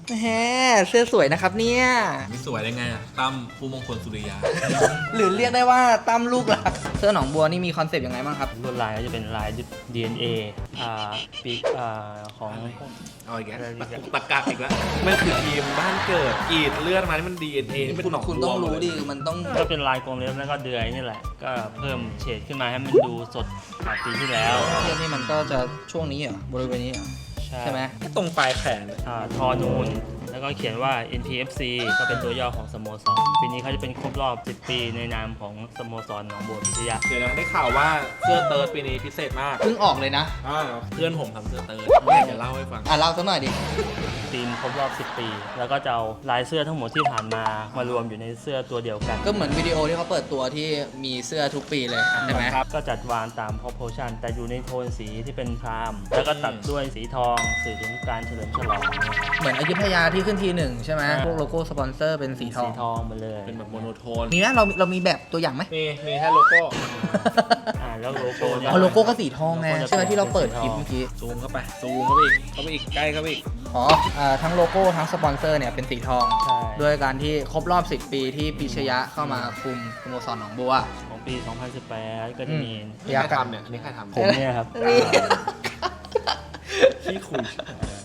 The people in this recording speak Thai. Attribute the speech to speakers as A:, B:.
A: แฮเสื้อสวยนะครับเนี่ย
B: มีสวยได้ไงอ่ะตั้มผู้มงคลสุริยา
A: หรือเรียกได้ว่าตั้มลูกหลักเสื้อหนองบัวนี่มีคอนเซปต์ยังไงบ้างครับ
C: ลวดลายก็จะเป็นลาย DNA ปีกของ
B: เอาอีกแล้ว
C: อะไรอีกแล้ว
B: ตะกักอีกแล้วมันคือทีมบ้านเกิดกรีดเลือดมานี่มัน DNA นี่เป็นหนอง
A: คุณ
B: บัว
A: ต้องรู้
B: หมเลย
A: ดิมันต้อง
C: ก็เป็นลายกลมเล็บแล้วก็เดือยนี่แหละ ก็เพิ่มเฉดขึ้นมาให้มันดูสดกว่าปีที่แล้ว
A: เสื้อนี่มันก็จะช่วงนี้เหรอบริเวณนี้เหรอใช่ไหม
B: ตรงปลายแขน
C: ทอนูน แล้วก็เขียนว่า NPFC ก็เป็นตัวย่อของสโมสร ปีนี้เขาจะเป็นครบรอบ 10 ปีในนามของสโมสรหนองบัวพิทยา
B: เดี๋ยวนะได้ข่าวว่าเสื้อเติร์ดปีนี้พิเศษมาก
A: เพิ่งออกเลยนะ
B: เพื่อนผมทำเสื้อเติร์ดแม่จะเล่าให้ฟัง
A: เล่าสักหน่อยดิ
C: ทีมครบรอบ 10 ปี แล้วก็จะเอาลายเสื้อทั้งหมดที่ผ่านมามารวมอยู่ในเสื้อตัวเดียวกัน
A: ก็เหมือนวิดีโอที่เขาเปิดตัวที่มีเสื้อทุกปีเลยใช่ไหม
C: ก็จัดวางตาม proportion แต่อยู่ในโทนสีที่เป็นพราม แล้วก็ตัดด้วยสีทองสื่อถึงการเฉลิมฉลอง
A: เหมือนอยุธยาที่ขึ้นทีหนึ่งใช่ไหม
C: อ่า
A: พวกโลโก้สปอนเซอร์เป็นสีทอง
C: สีทองหมาเลย
B: เป็นแบบโมโนโทน
A: มีไหมเรามีแบบตัวอย่างไหม
B: มีแค่โลโก้
C: แล้วโลโก้เนี่ย
A: อ๋อโลโก้ก็สีทองไง
C: โลโก้จะ
A: ใช่ไหมที่เราเปิดคลิป
C: เป็นสีทอง
A: เมื่อกี้
B: ซูมเข้าไปอีกใกล้เข้าไปอีก
A: อ๋อทั้งโลโก้ทั้งสปอนเซอร์เนี่ยเป็นสีทอง
C: ใช่
A: ด้วยการที่ครบรอบ 10 ปีที่ปิชยะเข้ามาคุมสโมสรหนองบัว
C: ของปี 2018 ก็จะมี
B: นี่ใครทำเนี่ยอันนี้ใครทำ
C: ผมเนี่ยครับ
A: นี่
B: ที่คุย